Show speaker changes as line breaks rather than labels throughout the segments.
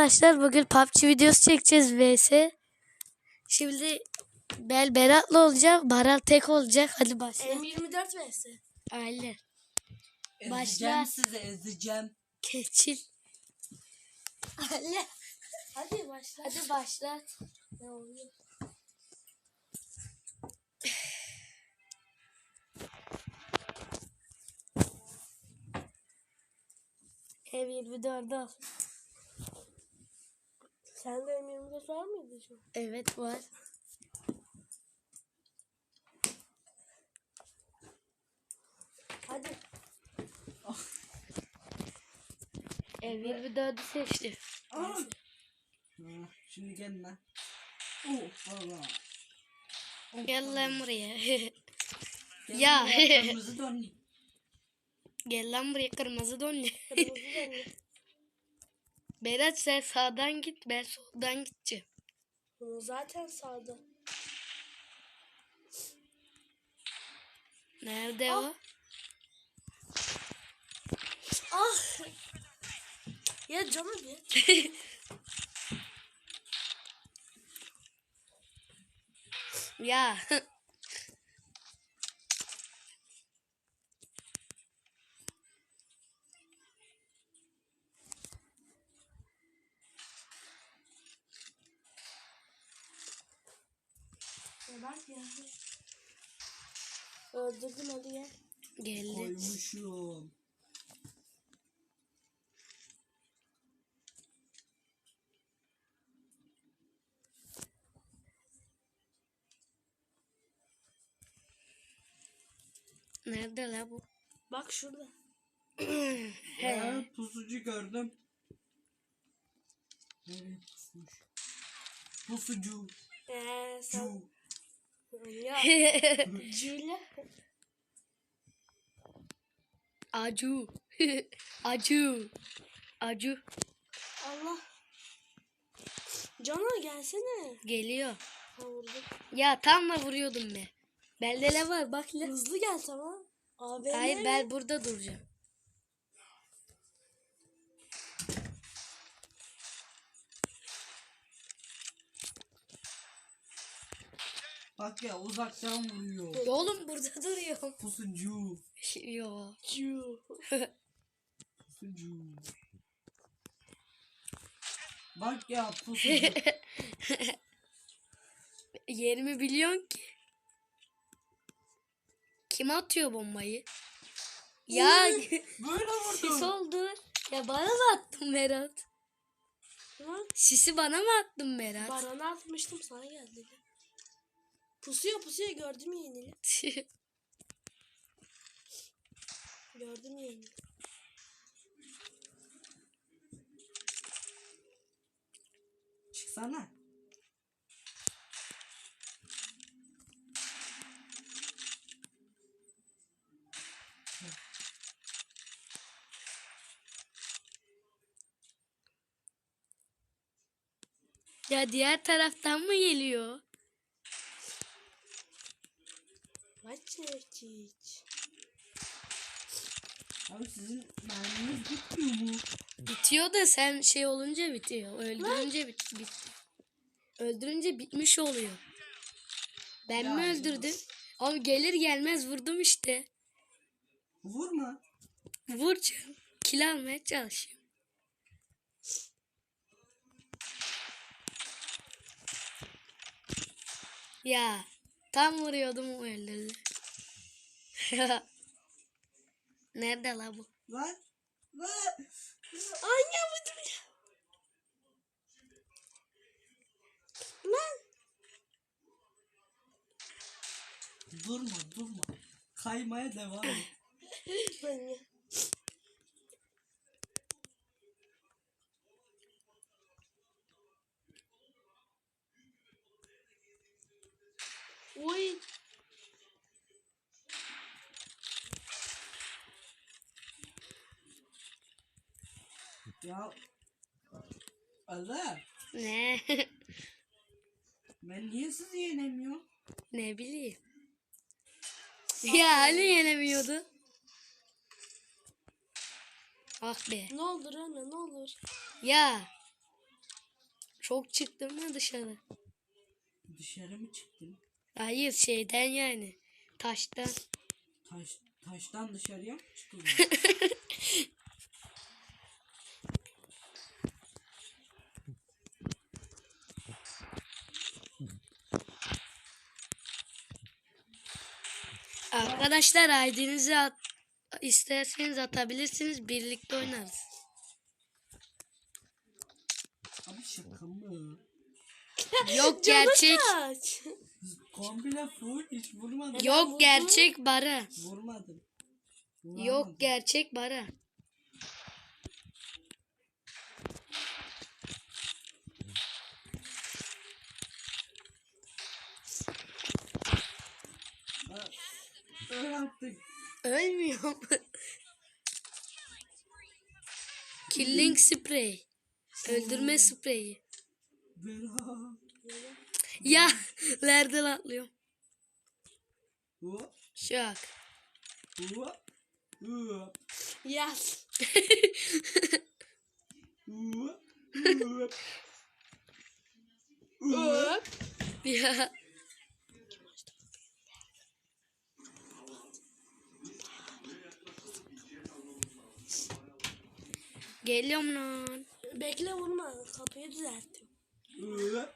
arkadaşlar, bugün PUBG videosu çekeceğiz vs. Şimdi ben Berat'la olacağım. Baral tek olacak. Hadi başla.
M24 vs.
Aynen.
Ezeceğim
Başla.
sizi ezeceğim.
Keçil.
Anne. Hadi başla.
Hadi başlat.
Ne oluyor?
M24 al.
Sende M24 var mıydı şu?
Evet var.
Hadi.
M24'ü seçti.
Şimdi gel lan. Oh valla.
Gel lan buraya.
Gel
Ya.
buraya, kırmızı donlu.
Gel lan buraya, kırmızı donlu.
Kırmızı dönüyor.
Berat sen sağdan git, ben soldan gideceğim.
Bunu zaten sağda.
Nerede o?
Ah. Ya canım ya.
Ya.
Ya bak ya. Öldürdüm, hadi gel.
Geldi.
Koymuşum.
Nerede la bu?
Bak şurada.
Pusucu gördüm. Nereye pusmuş? Pusucu.
Sen.
Cu.
Ya. Cüyle.
Acu. Acu. Acu.
Allah. Cana gelsene.
Geliyor.
Ha vurdum.
Ya tam da vuruyordum be. Bende ne var bak la.
Hızlı gel tamam. Abi
Hayır, ben burada duracağım.
Bak ya uzaktan vuruyor.
Oğlum burada duruyorum.
Pusucu.
Yo.
Cü.
Pusucu. Bak ya pusucu.
Yerimi biliyorsun ki. Kim atıyor bombayı? Ya
Böyle
sis
vurdum.
oldu. Ya bana mı attın Berat?
Lan
Sisi bana mı attın Berat?
Baran'a atmıştım, sana geldi. Pusuyor gördüm yeğenini. Gördüm yeğenini.
Çıksana.
Ya diğer taraftan mı geliyor?
Maçeçiç.
Abi sizin merminiz bitmiyor mu?
Bitiyor da sen şey olunca bitiyor. Öldürünce öldürünce bitmiş oluyor. Ben mi
Ya,
öldürdüm? Ama gelir gelmez vurdum işte.
Vurma.
Vuracağım. Kill almaya çalışıyorum. Ya tam vuruyordum, o öldürdü. Nerede la bu?
Lan.
Anne bu dur. Lan.
Durma. Kaymaya devam et.
Anne. Oy.
Ya. Allah.
Ne?
Ben niye sizi yenemiyorum?
Ne bileyim. Ya hani yenemiyordu. Ah be.
Ne olur Rana, ne olur.
Ya Çok çıktın mı dışarı?
Dışarı mı çıktın?
Hayır şeyden yani. Taştan.
Taştan dışarıya mı çıkılıyor?
Arkadaşlar ID'nizi isterseniz atabilirsiniz. Birlikte oynarız.
Abi şaka mı?
Yok gerçek.
Kaç.
Komple full hiç vurmadım.
Yok gerçek Bara.
Vurmadım.
Yok gerçek Bara.
Öl artık.
Ölmüyor. Killing spray. Öldürme spreyi.
Berat.
Ya nereden atlıyorum?
Hop
Şak.
hop hop
Yaz.
hop hop hop.
Ya. Geliyorum lan.
Bekle vurma. Kapıyı düzelttim.
Hop.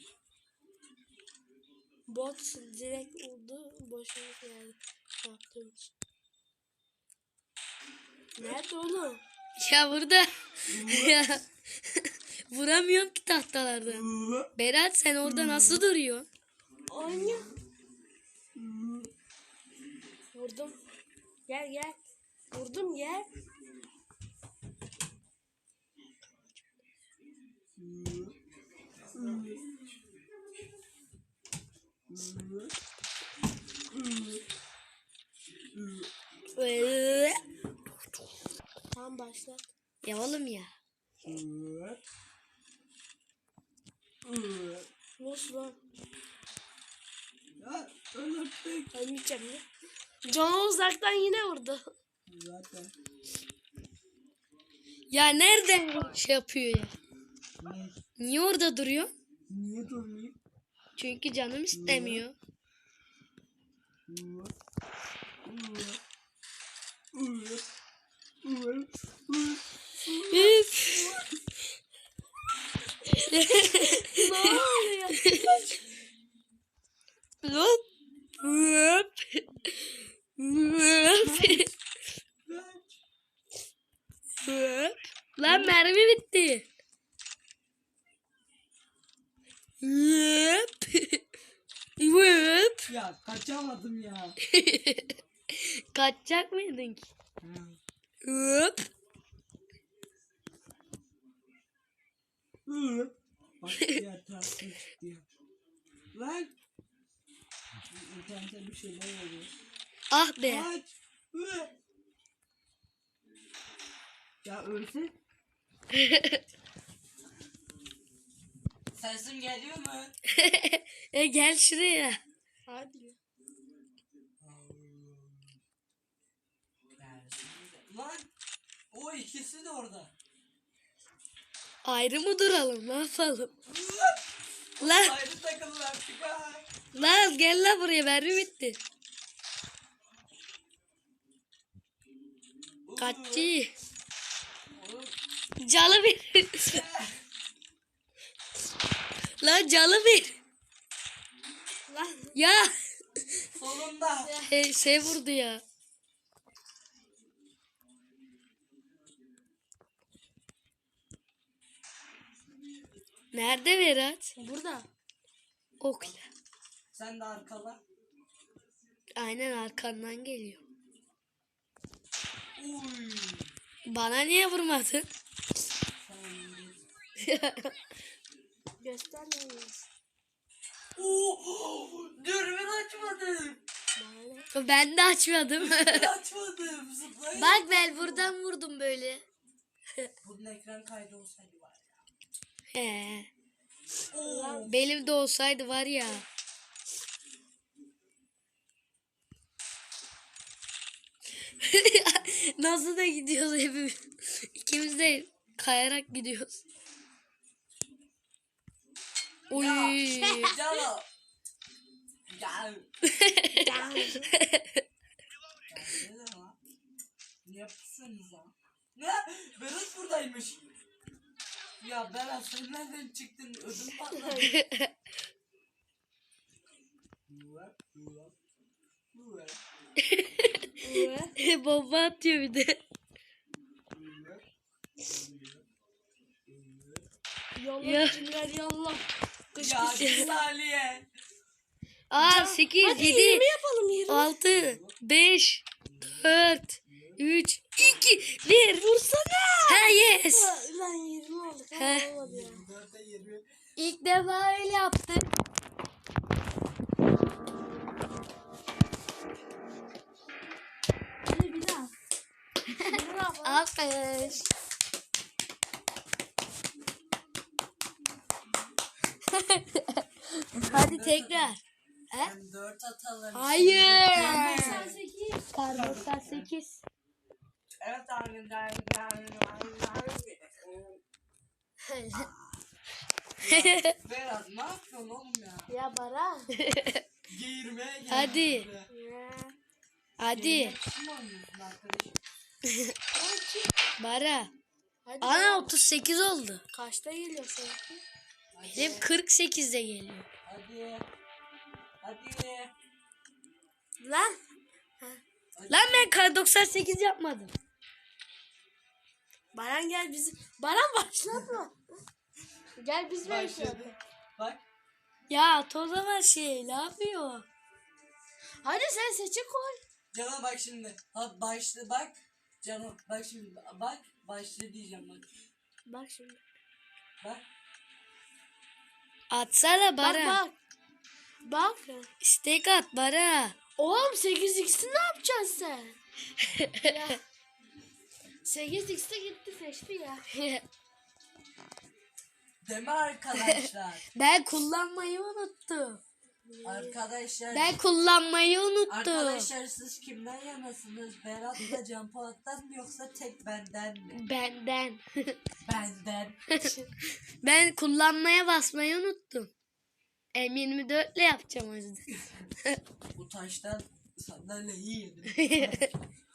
Bot direkt vurdu. Boşuna geldi. Yaptığım için. Nerede oğlum?
Ya burada. Ya. Vuramıyorum ki tahtalardan.
Hop.
Berat sen orada nasıl duruyorsun?
Oyna. Vurdum. Gel gel. Vurdum gel. Tamam başla.
Ya oğlum ya.
Hop. Hop.
Nasıl lan?
Ya öl artık.
Ölmeyeceğim ya. Canı uzaktan yine vurdu.
Zaten.
Ya nereden şey yapıyor ya?
Ne?
Niye orada duruyor?
Niye durmayayım?
Çünkü canım istemiyor.
Hop. Hop. Hop. Hop. Hop.
Üf.
Ne oluyor?
Hop. Hop. Hop.
Kaç.
Hop. Lan mermi bitti. Hop. Hop.
Ya kaçamadım ya.
Kaçacak mıydın ki?
Ha.
Hop.
Hop. Bak diğer taraftan çıktı ya. Lan. İnternette bir şeyler oluyor.
Ah be.
Kaç. Hop. Ya ölse. Sesim geliyor mu?
Gel şuraya.
Hadi.
Lan o ikisi de orada.
Ayrı mı duralım? Ne yapalım? Lan,
Ayrı takımlar artık ha.
lan gel lan buraya. Mermi bitti. Kaççı. Calı bir. Lan calı bir.
Lan.
Ya.
Sonunda.
Şey vurdu ya. Nerede Berat?
Burada.
Okla.
Sen de arkala.
Aynen arkandan geliyor.
Uy.
Bana niye vurmadın?
Göstermeyiz.
Oo, dürbün açmadım.
Bana.
Ben de açmadım.
Açmadım. Zıplayın.
Bak ben buradan vurdum böyle.
Bunun ekran kaydı olsaydı var ya.
He.
Oo.
Benim de olsaydı var ya. Nasıl da gidiyoruz hepimiz. İkimiz de kayarak gidiyoruz. Uy.
Cano. Gel. Ne yapıyorsunuz ya? Ne? Berat buradaymış. Ya Berat sen nereden çıktın? Ödüm patladı.
Bomba atıyor bir de.
Yolla
Ya.
cimriler yolla. Kış
Ya
kış.
bir saniye.
Aa 8,
Hadi
7,
20 yapalım 20.
6, 5, 4, 3, 2, 1.
Vursana.
Ha yes.
Lan 20 olduk. Ha,
He.
olmadı ya.
24'e 20.
İlk defa öyle yaptık.
Hadi bir daha. Bravo.
Alkış. Hadi tekrar. He?
24 atalım.
Hayır.
98.
Kar 98.
Evet abi. Berat ne yapıyorsun oğlum ya?
Ya Baran.
Geğirmeye geldik.
Hadi.
Ya.
Hadi.
Kim oynuyorsun arkadaşım?
Bara.
Hadi
Ana
Baran.
38 oldu.
Kaçta geliyor seninki?
Benim 48'de geliyor.
Hadi. Hadi.
Lan.
Lan ben kar 98 yapmadım.
Baran gel bizi. Baran başlatma. Gel biz
Başladı. Bak.
Ya toza şey ne yapıyor?
Hadi sen seçe koy.
Canım bak şimdi. Ha başla bak. Canım bak şimdi. Bak. Başla diyeceğim bak.
Bak şimdi.
Bak.
Atsana
Bak
Bara.
bak. Bak.
İstek at Bara.
Oğlum 8x'i ne yapacaksın sen? Ya. 8x'te gitti seçti ya.
Deme arkadaşlar.
Ben kullanmayı unuttum.
Arkadaşlar.
Ben kullanmayı unuttum.
Arkadaşlar siz kimden yanasınız? Berat'la Can Polat'tan mı yoksa tek benden mi?
Benden.
Benden.
Ben kullanmaya basmayı unuttum. M24 ile yapacağım o yüzden.
Bu taştan sandalyeyi yedim.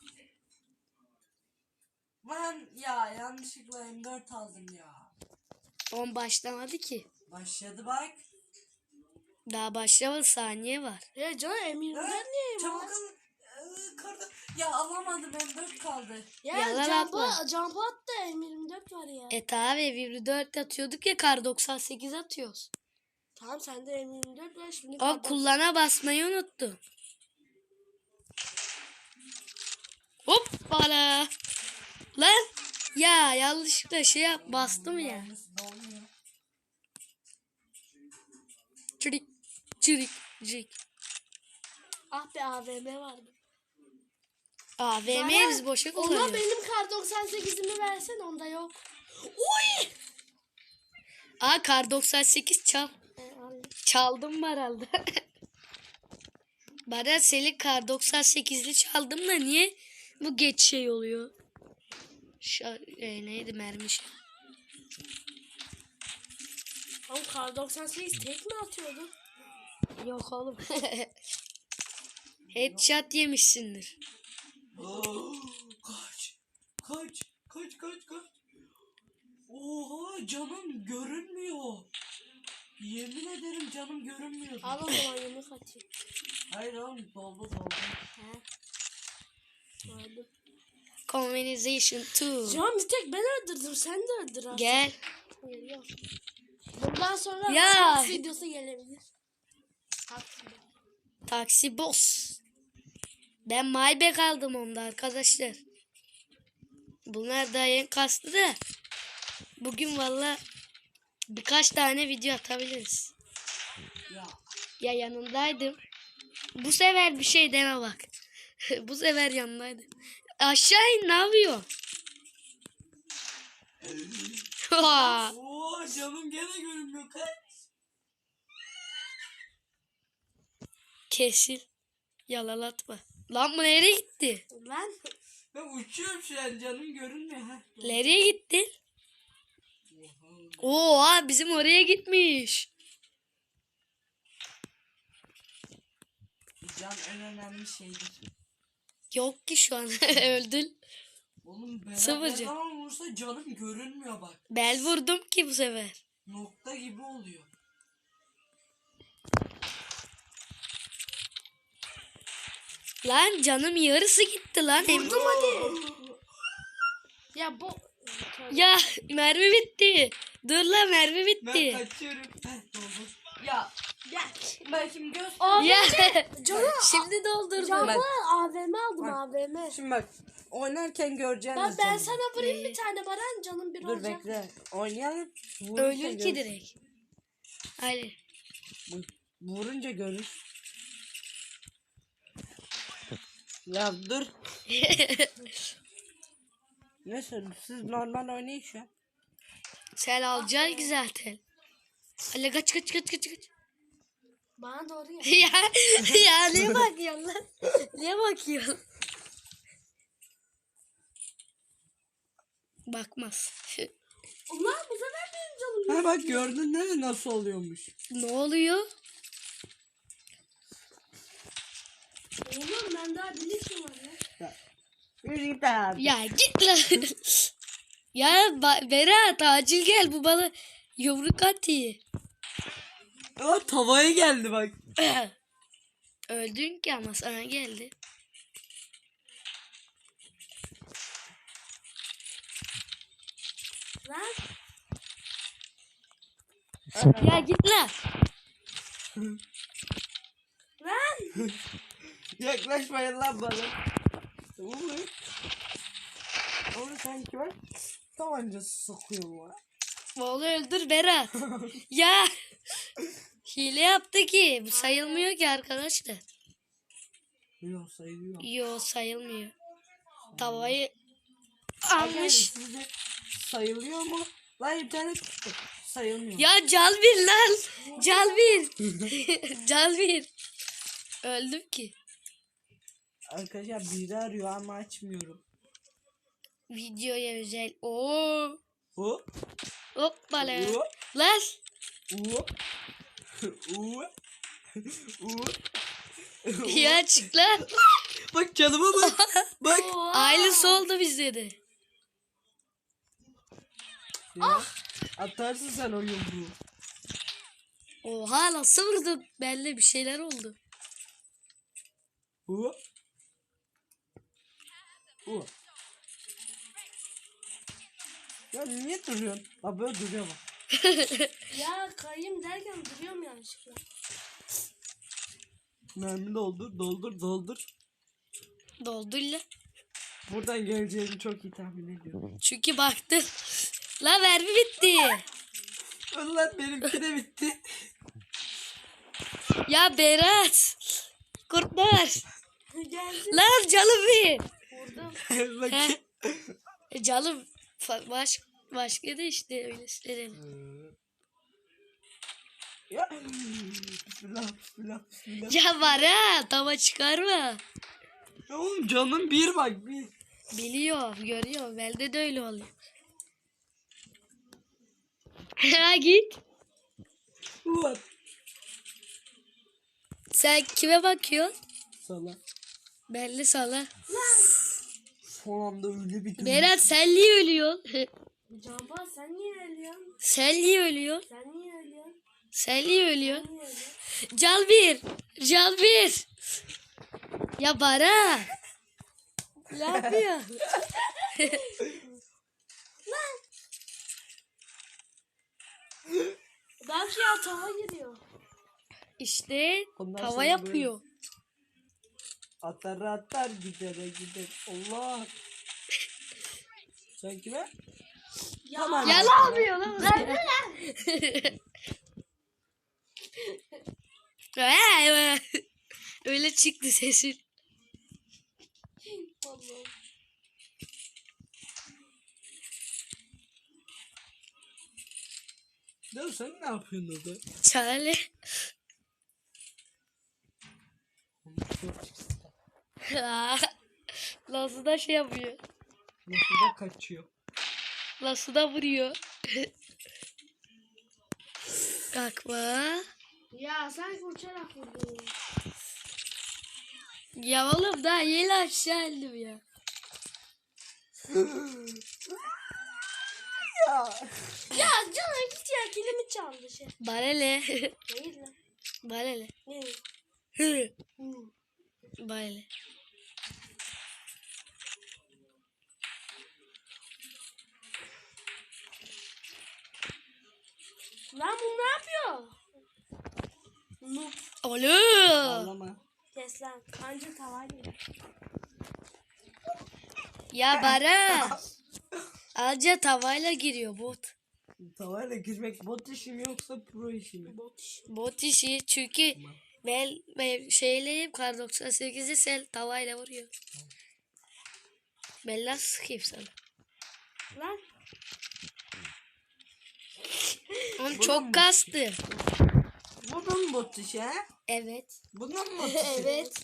Ben ya yanlışlıkla M4 aldım ya.
10 başlamadı ki.
Başladı bak.
Daha başlamadı, saniye var.
Ya canım M24 niye
Çabuk
var?
al. Kırdım. Ya alamadım M4 kaldı.
Ya
Yalan atma.
Jump at da M24 var ya.
Tabi 24 atıyorduk ya, kar 98 atıyoruz.
Tamam sende M24 var şimdi.
O
kadar-
kullana basmayı unuttum. Hoppala. Lan ya yanlışlıkla şey yap bastım ya.
Aynısı da olmuyor.
Çirik çirik çirik.
Ah be AVM vardı.
AVM'ye biz boşa
Ona
kullanıyoruz.
benim kar 98'imi versen onda yok. Uy!
Aa kar 98 çal.
Al.
Çaldım herhalde. Bana senin kar 98'li çaldım da niye bu geç şey oluyor? Neydi mermi şey?
Oğlum kar 98 tek mi atıyordu?
Yok oğlum. Headshot yemişsindir.
Kaç. Kaç. Kaç kaç kaç. Oha canım görünmüyor. Yemin ederim canım görünmüyor.
Al o zaman yemek atayım.
Hayır oğlum doldu doldu.
He. Aldım.
Conversation 2.
Can bir tek ben öldürdüm sen de öldür artık.
Gel.
Geliyor. Bundan sonra
Ya.
Roblox videosu gelebilir.
Taksi boss. Ben Maybach aldım onda arkadaşlar. Bunlar da yeni kastı da. Bugün valla birkaç tane video atabiliriz.
Ya.
Ya yanındaydım. Bu sefer bir şey deme bak. Bu sefer yanındaydım. Aşağı in, ne yapıyor?
Oo canım gene görünmüyor kaç.
Kesil. Yalalatma. Lan bu nereye gitti?
Lan.
Ben uçuyorum şu an canım görünmüyor ha.
Nereye gitti? Oo bizim oraya gitmiş.
Can en önemli şeydir.
Yok ki şu an. Öldün.
Oğlum Berat
Sıfır
ne
can.
zaman vursa canım görünmüyor bak.
Bel vurdum ki bu sefer.
Nokta gibi oluyor.
Lan canım yarısı gitti lan.
Vurdum hadi. Ya bu.
Ya mermi bitti. Dur lan mermi
Ben
bitti.
kaçıyorum. Heh, doldur. Ya
Gel.
ben şimdi göz...
Ya
Canım.
şimdi doldurdum.
Canlı AVM aldım AVM.
Şimdi bak oynarken göreceğiniz
Ben
canım.
sana vurayım bir tane Baran canım bir
Dur
olacak.
bekle. Oynayalım. Vurunca
Ölür ki
görürsün.
direkt. Aynen.
Vurunca görür. Ya dur. Neyse siz normal oynayın şu an.
Sen alacaksın ki zaten. Hadi kaç.
Bana doğru ya.
ya niye bakıyorsun lan? Niye bakıyorsun? Bakmaz.
Ulan bu sefer benim canım.
Ha bak gördün değil mi nasıl oluyormuş?
Ne oluyor?
Oğlum ben daha bilirsin var ya.
Yürü git abi.
Ya git lan. ya Berat acil gel bu bana yumruk atıyor.
Aa, tavaya geldi bak.
Öldün ki ama sana geldi.
Lan.
Ya git lan.
Lan.
Yaklaşmayın lan bana. Oğlum. Oğlum sanki bak. Tabancası sokuyor mu?
Oğlu öldür Berat. ya hile yaptı ki. Bu sayılmıyor ki arkadaşlar.
Yok sayılıyor.
Yo sayılmıyor. Tavayı
Arkadaşlar,
almış.
sizce sayılıyor mu? Lan internet çıktı. Sayılmıyor.
Ya cal bir lan. Cal bir. cal bir. Öldüm ki.
Arkadaşlar biri arıyor ama açmıyorum.
Videoya özel. Oo.
Hop.
Hoppala.
Hop.
Lan.
Hop. Hop. Hop.
Ya çık lan.
Bak canıma bak. Bak.
Aynısı oldu bizde de.
Ya, atarsın sen o yumruğu.
Oha nasıl vurdun? Belli bir şeyler oldu.
Hop. Hop. Ya niye duruyorsun? Ha böyle duruyor bak.
Ya kayayım derken duruyorum yanlışlıkla.
Mermi doldur, doldur, doldur.
Doldu lan.
Buradan geleceğini çok iyi tahmin ediyorum.
Çünkü baktım. La mermi bitti.
Ulan benimki de bitti.
Ya Berat. Kurtlar.
Geldi.
Lan canım bir.
Vurdum.
Bakayım.
Canım başka da işte öyle söyleyelim.
Ya. Bismillah, bismillah, bismillah.
Ya var ha tava çıkarma.
Ya oğlum canım bir bak bir.
Biliyor görüyor. Bende de öyle oluyor. Ha git.
Ulan.
Sen kime bakıyorsun?
Sala.
Belli sala.
Son anda öyle bir
Berat sen niye ölüyorsun?
Canpa sen niye ölüyorsun?
sen niye ölüyorsun?
Sen niye ölüyorsun?
Sen niye ölüyorsun?
Sen niye ölüyorsun?
Cal bir. Cal bir. Ya Bara. Ne yapıyor?
Belki ya tava giriyor.
İşte
Ondan
tava
sonra
yapıyor.
Atar atar gidere gider. Allah. Sen kime?
Ya.
Tamam.
Ya ne yapıyor lan? Öyle çıktı sesin.
Allah'ım.
Ya sen ne yapıyorsun orada?
Çare. Nasıl da şey yapıyor.
Nasıl da kaçıyor.
Nasıl da vuruyor. Kalkma.
Ya sen uçarak vurdun.
Ya oğlum daha yeni aşağı indim ya.
Ya canım git ya kilimi çaldı şey.
Barele.
Değil lan.
Barele.
Ne?
Barele.
Lan bu ne yapıyor? Noob.
Oğlum.
Ağlama.
Kes lan. Anca tavayla.
Ya Bara. Anca tavayla giriyor bot.
Tavayla girmek bot işi mi yoksa pro işi mi?
Bot iş.
Bot işi çünkü ben şeyleyim kar 98'i sen tavayla vuruyor. Ben nasıl sıkayım sana?
Lan.
Oğlum çok kastı.
Bu da mı bot işi he?
Evet.
Bu da mı bot işi?
Evet.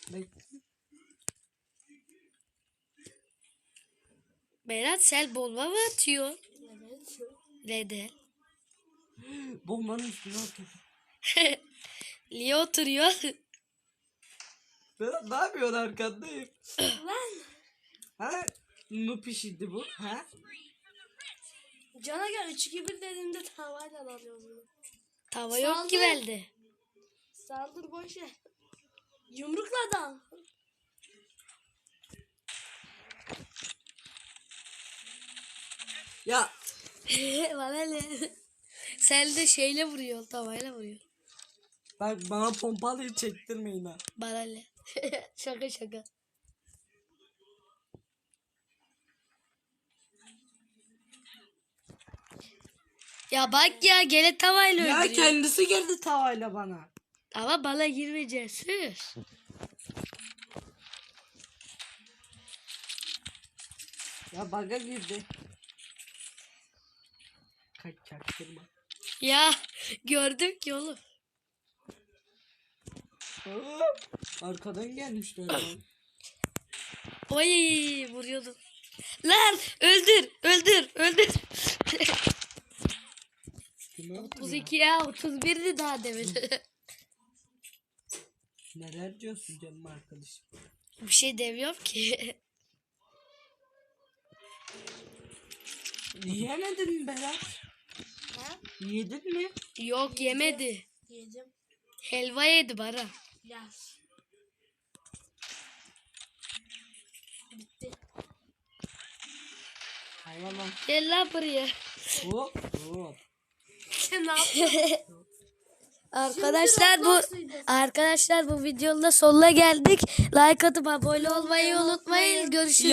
Berat sen bomba mı atıyor?
Evet.
Neden?
Bombanın üstüne atıyor.
Niye oturuyor?
Berat ne yapıyorsun arkandayım?
Lan.
Ha? Noob işiydi bu. Ha?
Cana gel 3-2-1 dediğimde tavayla alıyoruz bunu.
Tava yok ki
Saldır.
bende.
Saldır boş ver. Yumrukla adam.
Ya
Bana ne? Sen de şeyle vuruyorsun, tavayla vuruyorsun.
bak bana pompalıyı çektirmeyin ha.
Bana ne? Şaka şaka. Ya bak ya gene tavayla
Ya
öldürüyor.
kendisi girdi tavayla bana.
Ama bana girmeyeceksin.
Ya baga girdi. Kaç çaktırma.
Ya gördüm ki oğlum.
Arkadan gelmişler lan.
Oy vuruyordum. Lan öldür öldür öldür.
Kim öldü
32 ya 31'di daha demin.
Neler diyorsun canım arkadaşım?
Bir şey demiyorum ki.
Yemedin mi Berat?
Ha?
Yedin mi?
Yok yemedi.
Yedim.
Helva yedi bana.
Yaz. Bitti.
Hayvan lan.
Gel lan buraya.
Hop hop.
Sen ne yapıyorsun?
Arkadaşlar bu videonun da sonuna geldik. Like atıp abone olmayı unutmayın. Görüşürüz.